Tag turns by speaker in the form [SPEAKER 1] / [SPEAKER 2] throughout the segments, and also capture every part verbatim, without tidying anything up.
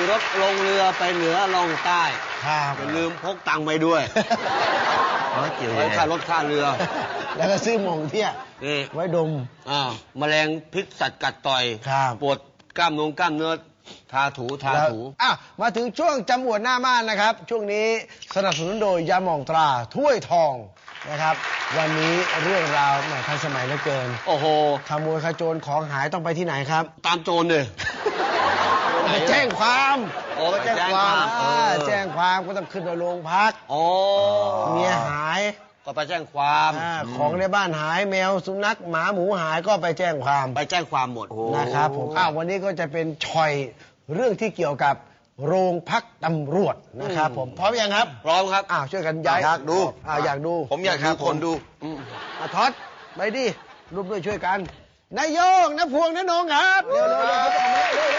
[SPEAKER 1] รถลงเรือไปเหนือลงใต้อย่าลืมพกตังค์ไปด้วยไว้ค่ารถค่าเรือ
[SPEAKER 2] แล้วก็ซื้อหม่องเที่ยไว้ดม
[SPEAKER 1] อ่าแมลงพิษสัตว์กัดต่อยปวดกล้ามเนื้อกล้ามเนื้อทาถูทาถู
[SPEAKER 2] อ่ะมาถึงช่วงจำอวดหน้าม่านนะครับช่วงนี้สนับสนุนโดยยาหม่องตราถ้วยทองนะครับวันนี้เรื่องราวแหมทันสมัยเหลือเกิน
[SPEAKER 1] โอ้โห
[SPEAKER 2] ขโมยขโจรของหายต้องไปที่ไหนครับ
[SPEAKER 1] ตามโจรเลย
[SPEAKER 2] ไปแจ้งความ
[SPEAKER 1] โอ้ไปแจ้งความ
[SPEAKER 2] แจ้งความก็ต้องขึ้นไปโรงพัก
[SPEAKER 1] โอ้
[SPEAKER 2] เมียหาย
[SPEAKER 1] ก็ไปแจ้งความ
[SPEAKER 2] ของในบ้านหายแมวสุนัขหมาหมูหายก็ไปแจ้งความ
[SPEAKER 1] ไปแจ้งความหมด
[SPEAKER 2] นะครับผมอ้าววันนี้ก็จะเป็นชอยเรื่องที่เกี่ยวกับโรงพักตำรวจนะครับผมพร้อมยังครับ
[SPEAKER 1] พร้อมครับ
[SPEAKER 2] อ้าวช่วยกันย้าย
[SPEAKER 1] อยากดู
[SPEAKER 2] อ้าวอยากดู
[SPEAKER 1] ผมอยากหาคนดู
[SPEAKER 2] อ่ะท็อดไปดิร่วมด้วยช่วยกันนายโยงนพวงนนงครับเร็วเร็วเร็วเร็ว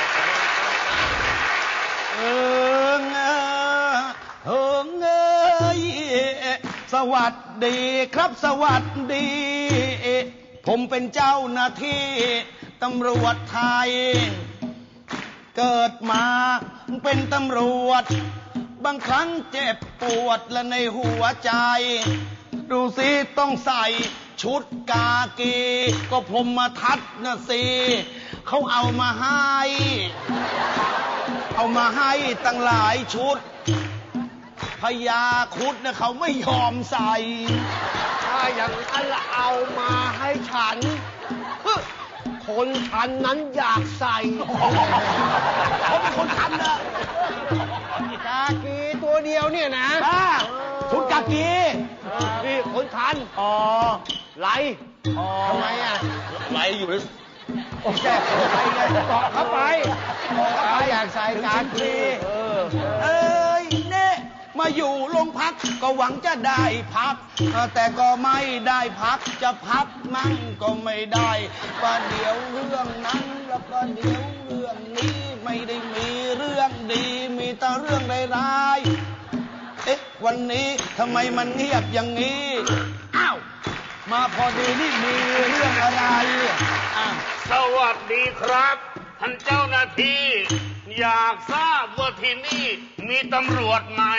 [SPEAKER 3] เอิงเอิงเอ้ยสวัสดีครับสวัสดีผมเป็นเจ้าหน้าที่ตำรวจไทยเกิดมาเป็นตำรวจบางครั้งเจ็บปวดและในหัวใจดูสิต้องใส่ชุดกากีก็พรหมทัศน์นะสิเขาเอามาให้เอามาให้ตั้งหลายชุดพญาครุฑเนี่ยเขาไม่ยอมใส่
[SPEAKER 2] ถ้าอย่างนั้นเอามาให้ฉันคนทันนั้นอยากใส่
[SPEAKER 3] เขาเป็นคนทันนะ
[SPEAKER 2] กากีตัวเดียวเนี่ยนะ
[SPEAKER 3] ชุดกากี
[SPEAKER 2] นี่คนทัน
[SPEAKER 3] อ๋อ
[SPEAKER 2] ไหลทำไมอ่ะ
[SPEAKER 1] ไหลอยู่ใน
[SPEAKER 2] โอ้แก้ไปไงเกาะเข้าไปเกาะเข้าไปอยากใส่กากี
[SPEAKER 3] เอ้ยเน่มาอยู่โรงพักก็หวังจะได้พักแต่ก็ไม่ได้พักจะพักมั่งก็ไม่ได้ประเดี๋ยวเรื่องนั้นแล้วก็เดี๋ยวเรื่องนี้ไม่ได้มีเรื่องดีมีแต่เรื่องร้ายๆเอ๊ะวันนี้ทำไมมันเงียบอย่างนี้อ้าวมาพอดีนี่มีเรื่องอะไรอ่ะ
[SPEAKER 4] สวัสดีครับท่านเจ้าหน้าที่อยากทราบว่าที่นี่มีตำรวจไหม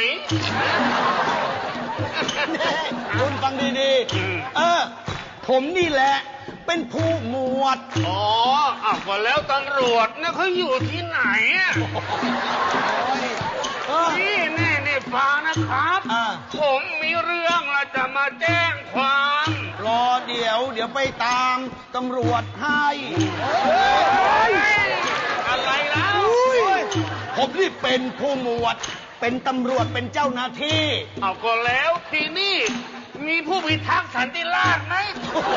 [SPEAKER 3] คุณฟังดีๆเออผมนี่แหละเป็นผู้หมวด
[SPEAKER 4] อ๋ออ่ะก็แล้วตำรวจเนี่ยเขาอยู่ที่ไหนอ่ะนี่แน่นี่ฟังนะครับผมมีเรื่องจะมาแจ้งความ
[SPEAKER 3] รอเดี๋ยวเดี๋ยวไปตามตำรวจให้
[SPEAKER 4] อะไรแล้ว
[SPEAKER 3] ผมนี่เป็นผู้หมวดเป็นตำรวจเป็นเจ้าหน้าที่
[SPEAKER 4] เอาก็แล้วที่นี่มีผู้พิทักษ์สันติราษฎร์ไหม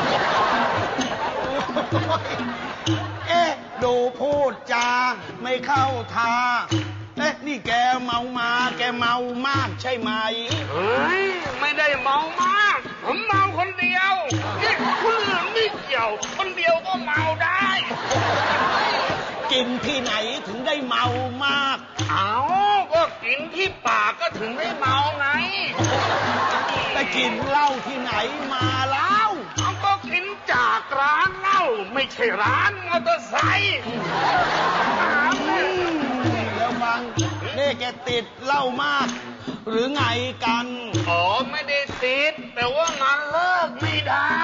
[SPEAKER 3] เอ๊ะดูพูดจาไม่เข้าท่าเอ๊ะนี่แกเมามาแกเมามากใช่ไหม
[SPEAKER 4] เฮ้ยไม่ได้เมามากผมเมาคนเดียวนี่คนอื่นไม่เกี่ยวคนเดียวก็เมาได้
[SPEAKER 3] กินที่ไหนถึงได้เมามาก
[SPEAKER 4] เอาก็กินที่ปากก็ถึงได้เมาไง
[SPEAKER 3] แต่กินเหล้าที่ไหนมาแล้ว
[SPEAKER 4] เอาก็กินจากร้านเหล้าไม่ใช่ร้านมอเตอร์ไซค์
[SPEAKER 3] แล้วฟังนี่แกติดเหล้ามากหรือไงกัน
[SPEAKER 4] อ๋อไม่ได้ติดแต่ว่ามันเลิกไม่ได้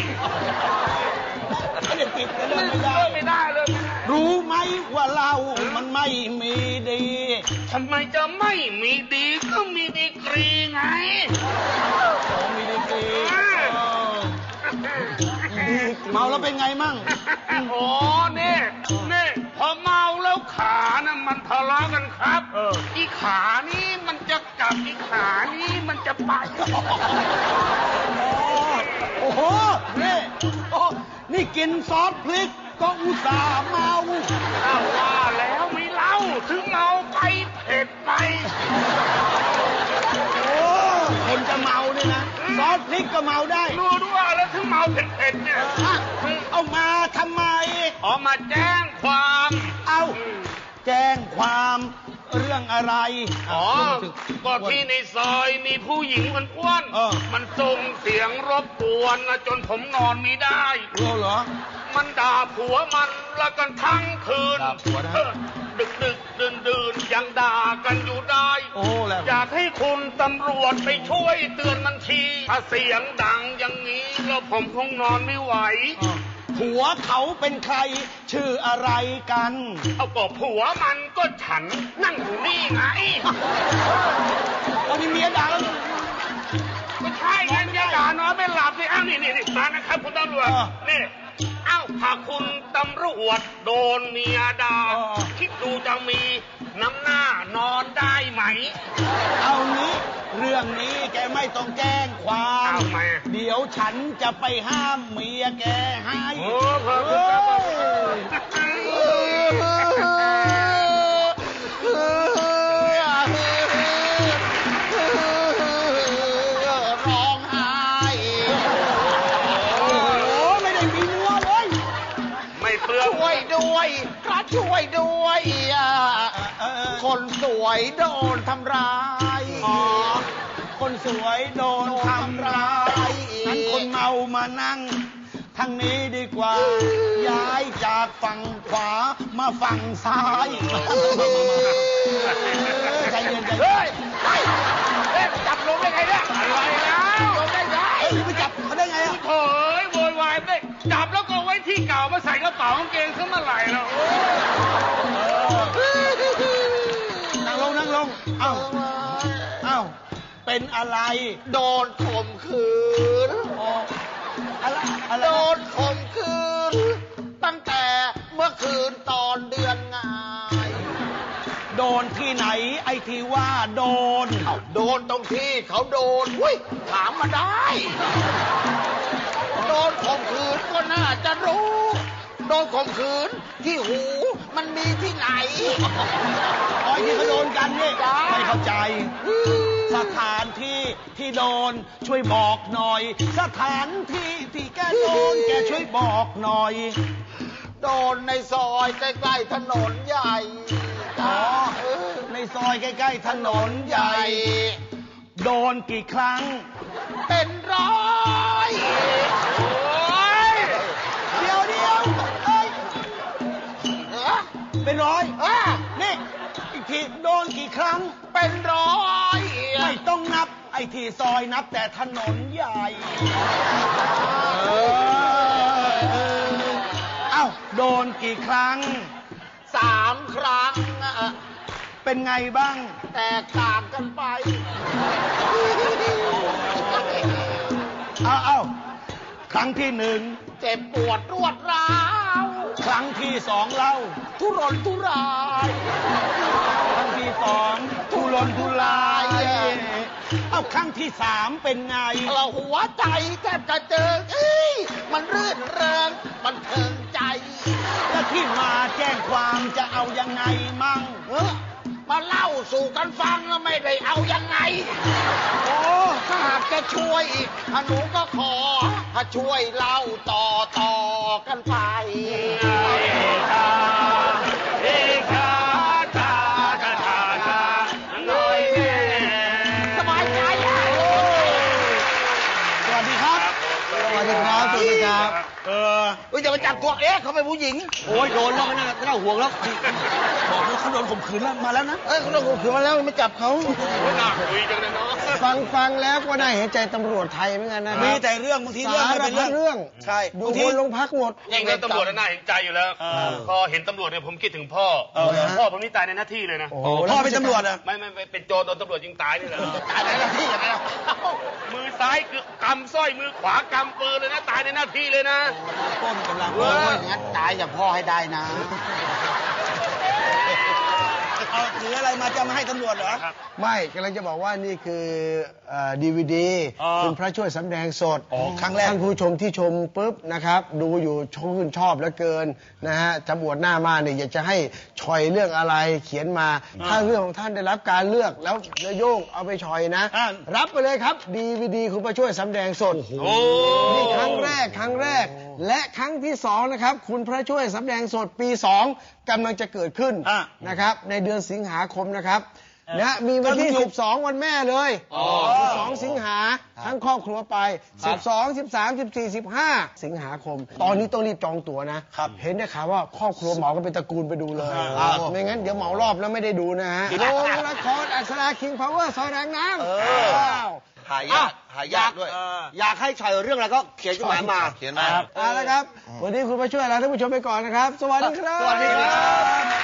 [SPEAKER 3] ไม่ได้ติดแต่เลิกไม่ได้
[SPEAKER 4] ไม่ได้เลย
[SPEAKER 3] รู้ไหมว่าเหล้ามันไม่มีดี
[SPEAKER 4] ทำไมจะไม่มีดีก็มีดีกรีไง
[SPEAKER 3] อ๋อมีดีกรีเมาแล้วเป็นไงมั่ง
[SPEAKER 4] อ๋อเนี่ยเนี่ยพอเมาแล้วขานะมันทะเลาะกันครับอีขานี้มันจะกลับอีขานี้มันจะไป
[SPEAKER 3] โอ้โหนี่โอ้นี่กินซอสพริกก็อุตส่าห์เมา
[SPEAKER 4] อ้าวว่าแล้วไม่เล่าถึงเมาไปเผ็ดไป
[SPEAKER 3] โอ้คนจะเมาเนี่ยนะซอสพริกก็เมาได้
[SPEAKER 4] รู้ด้วยแล้วถึงเมาเผ็ดๆเนี่ย
[SPEAKER 3] เอามาทำไม
[SPEAKER 4] อ๋อมาแจ้งความ
[SPEAKER 3] เอาแจ้งความเรื่องอะไร
[SPEAKER 4] อ๋อก็ที่ในซอยมีผู้หญิงมันอ้วนมันส่งเสียงรบกวนจนผมนอนไม่ได้
[SPEAKER 3] รู้เหรอ
[SPEAKER 4] มันด่าผัวมันแล้วกันทั้งคืนดึกดึกดื่นดื่นยังด่ากันอยู่ได้
[SPEAKER 3] โอ้แล้ว
[SPEAKER 4] อยากให้คุณตำรวจไปช่วยเตือนมันทีถ้าเสียงดังอย่างนี้แล้วผมคงนอนไม่ไหว
[SPEAKER 3] ผัวเขาเป็นใครชื่ออะไรกัน
[SPEAKER 4] เอาก็ผัวมันก็ฉันนั่งอยู่นี่ไง
[SPEAKER 3] เอานี่เมียดัง
[SPEAKER 4] ไม่ใช่งั้นอย่าด่านอนไม่หลับสิอ้าวนี่นี่นี่มานะครับคุณตำรวจ
[SPEAKER 3] เออ
[SPEAKER 4] นี่เอ้าถ้าคุณตำรวจโดนเมียด่า
[SPEAKER 3] เออ
[SPEAKER 4] คิดดูจะมีน้ำหน้านอนได้ไหม
[SPEAKER 3] เอานี้เรื่องนี้แกไม่ต้องแจ้งความ
[SPEAKER 4] เอามา
[SPEAKER 3] เดี๋ยวฉันจะไปห้ามเมียแกให้
[SPEAKER 4] โอ้พระ
[SPEAKER 3] เอ
[SPEAKER 4] คุณ
[SPEAKER 3] ร้องไห้โอ้ไม่ได้มีมัวเลย
[SPEAKER 4] ไม่เปลือง
[SPEAKER 5] ช่วยด้วยพระช่วยด้วยอ่ะ
[SPEAKER 3] เออ
[SPEAKER 5] คนสวยโดนทำร้าย
[SPEAKER 3] อ๋อคนสวยโดนทำร้ายงั้นคนเมามานั่งทางนี้ดีกว่า ย้ายจากฝั่งขวามาฝั่งซ้ายใจเย็นใจเย็
[SPEAKER 5] เฮ้
[SPEAKER 3] น
[SPEAKER 5] ยเฮ้ยเฮ้ยจับลงได้ไงเนี่ย
[SPEAKER 4] อะไรแล้ว
[SPEAKER 5] ลงได้ไง
[SPEAKER 3] เฮ้ยไปจับเขาได้ไงอ่ะ
[SPEAKER 4] โถ่เอ้ยโวยวายไม่ได้จับแล้วก็ไว้ที่เก่ามาใส่กระเป๋ากางเกงซะเมื่อไหร่แล้วโอ้
[SPEAKER 3] นั่งลงนั่งลง เอ้า เอ้า เป็นอะไร
[SPEAKER 5] โดนข่มขืน
[SPEAKER 3] อ๋ออะไรอะไร
[SPEAKER 5] โดนข่มขืน ตั้งแต่เมื่อคืนตอนเดือนงาย
[SPEAKER 3] โดนที่ไหนไอ้ที่ว่าโดน
[SPEAKER 5] เอ้าโดนตรงที่เขาโดนอุ้ยถามมาได้ โดนข่มขืนก็น่าจะรู้ โดนข่มขืนที่หูมันมีที่ไหน
[SPEAKER 3] อ๋อที่เขาโดนกันนี่
[SPEAKER 5] จ้า
[SPEAKER 3] ไม่เข้าใจ สถานที่ที่โดนช่วยบอกหน่อย สถานที่ที่แกโดนแกช่วยบอกหน่อย
[SPEAKER 5] โดนในซอยใกล้ๆถนนใหญ่
[SPEAKER 3] อ๋อ
[SPEAKER 5] เออ
[SPEAKER 3] ในซอยใกล้ๆถนนใหญ่ โดนกี่ครั้ง
[SPEAKER 5] เป็นร้อย
[SPEAKER 4] โอ้ย
[SPEAKER 3] เดียวเดียวเอ้ย
[SPEAKER 5] เออ
[SPEAKER 3] เป็นร้อย
[SPEAKER 5] เออ
[SPEAKER 3] นี่อีกทีโดนกี่ครั้ง
[SPEAKER 5] เป็นร้อย
[SPEAKER 3] ไม่ต้องนับ ไอ้ที่ซอยนับแต่ถนนใหญ่เออเออเอ้าโดนกี่ครั้ง
[SPEAKER 5] สามครั้งอะ
[SPEAKER 3] เป็นไงบ้าง
[SPEAKER 5] แตกต่างกันไป
[SPEAKER 3] เอาเอาครั้งที่หนึ่ง
[SPEAKER 5] เจ็บปวดรวดร้าว
[SPEAKER 3] ครั้งที่สองเล่า
[SPEAKER 5] ทุรนทุราย
[SPEAKER 3] ครั้งที่สองทุรนทุราย เอาครั้งที่สามเป็นไง
[SPEAKER 5] เราหัวใจแทบจะเจิงเอ้ยมันรื่นเริงมันเทิงใจ
[SPEAKER 3] แล้วที่มาแจ้งความจะเอายังไงมั่ง
[SPEAKER 5] เออมาเล่าสู่กันฟังแล้วไม่ได้เอายังไง
[SPEAKER 3] โอ้
[SPEAKER 5] ถ้าหากจะช่วยอีกหนูก็ขอถ้าช่วยเล่าต่อต่อกันไป
[SPEAKER 4] เอชาชาชาชาชาหน่อยแน่
[SPEAKER 5] สบายใจอ่ะ
[SPEAKER 3] สวัสดีครับ
[SPEAKER 2] สวัสดีครับ สวัสดีครับ
[SPEAKER 3] เออ
[SPEAKER 5] เฮ้ยอย่าไปจับตัวเอ๊ะเขาเป็นผู้หญิง
[SPEAKER 1] โอ้ยโดนแล้วไม่น่าไม่น่าห่วงแล้ว
[SPEAKER 3] บอกว่าเขาโดนข่มขืนแล้วมาแล้วนะ
[SPEAKER 5] เอ้ยเขาโดนข่มขืนมาแล้วไม่จับเขา
[SPEAKER 4] น่าคุยจังเลยเนาะ
[SPEAKER 2] ฟังฟังแล้วก็น่าเห็นใจตำรวจไทยเหมือนกันนะ
[SPEAKER 3] มีแต่เรื่องบางทีเรื่อง
[SPEAKER 2] สา
[SPEAKER 3] ไม่
[SPEAKER 2] ร
[SPEAKER 3] เป็น
[SPEAKER 2] พั
[SPEAKER 3] เรื่
[SPEAKER 2] ด
[SPEAKER 3] อง
[SPEAKER 2] เรื่อง
[SPEAKER 3] ใช่
[SPEAKER 2] ดู
[SPEAKER 3] บาง
[SPEAKER 2] ค
[SPEAKER 3] ที
[SPEAKER 2] นลงพักหมด
[SPEAKER 4] ยิ่งเรื่องตำรวจน่าเห็นใจอยู่แล้ว
[SPEAKER 3] เออ
[SPEAKER 4] พอเห็นตำรวจเนี่ยผมคิดถึงพ่อ
[SPEAKER 3] เออ
[SPEAKER 4] พ่อผมนี่ตายในหน้าที่เลยนะ
[SPEAKER 2] โอ้โห
[SPEAKER 3] พ่อเป็นตำรวจอ่ะ
[SPEAKER 4] ไม่ไม่ไม่เป็นโจรโดนตำรวจยิงตายนี่แหละ
[SPEAKER 5] ตายในหน้าที่อย่างไรล่ะ
[SPEAKER 4] มือซ้ายคือกำสร้อยมือขวากำปืนเลยนะ ตายในหน้าที่เลยนะ
[SPEAKER 3] ต้นกำลัง
[SPEAKER 5] โอ้ยงั้นตายอย่างพ่อให้ได้นะ
[SPEAKER 3] เอาถืออะไรมาจะมาให้ตำรวจเหรอ
[SPEAKER 2] ไม่กำลังจะบอกว่านี่คือดีวีดี
[SPEAKER 3] อ๋อ
[SPEAKER 2] คุณพระช่วยสำแดงสด
[SPEAKER 3] อ๋อครั้งแรก
[SPEAKER 2] ท่านผู้ชมที่ชมปุ๊บนะครับ ดูอยู่ชมชื่นชอบเหลือเกินนะฮะจำอวดหน้ามาเนี่ยอยากจะให้ชอยเรื่องอะไรเขียนมา ถ้าเรื่องของท่านได้รับการเลือกแล้วนายโยงเอาไปชอยนะ
[SPEAKER 3] อ่า
[SPEAKER 2] รับไปเลยครับดีวีดีคุณพระช่วยสำแดงสด
[SPEAKER 4] โอ้
[SPEAKER 2] นี่ครั้งแรกครั้งแรก และครั้งที่สองนะครับ คุณพระช่วยสำแดงสดปีสองกำลังจะเกิดขึ้น
[SPEAKER 3] อ่ะ
[SPEAKER 2] นะครับ ในเดือนสิงหาคมนะครับนะมีวันที่สิบสองวันแม่เลยสิบสองสิงหาทั้งครอบครัวไปสิบสอง สิบสาม สิบสี่ สิบห้าสิงหาคมตอนนี้ต้องรีบจองตั๋วนะเห็นได้ข่าวว่าครอบครัวเหมากันเป็นตระกูลไปดูเลยไม่งั้นเดี๋ยวเหมารอบแล้วไม่ได้ดูนะฮะโรงละครอักษราคิงพาวเวอร์ซอยแรงน้ำ
[SPEAKER 5] หายากหายากด้วย
[SPEAKER 1] อยากให้ฉ่อยเรื่องอะไรก็เขียนจดหมายมา
[SPEAKER 5] เขียนมา
[SPEAKER 2] เอาละครับวันนี้คุณมาช่วยเราท่านผู้ชมไปก่อนนะครับสวัสดีครับ
[SPEAKER 1] สวัสดีครับ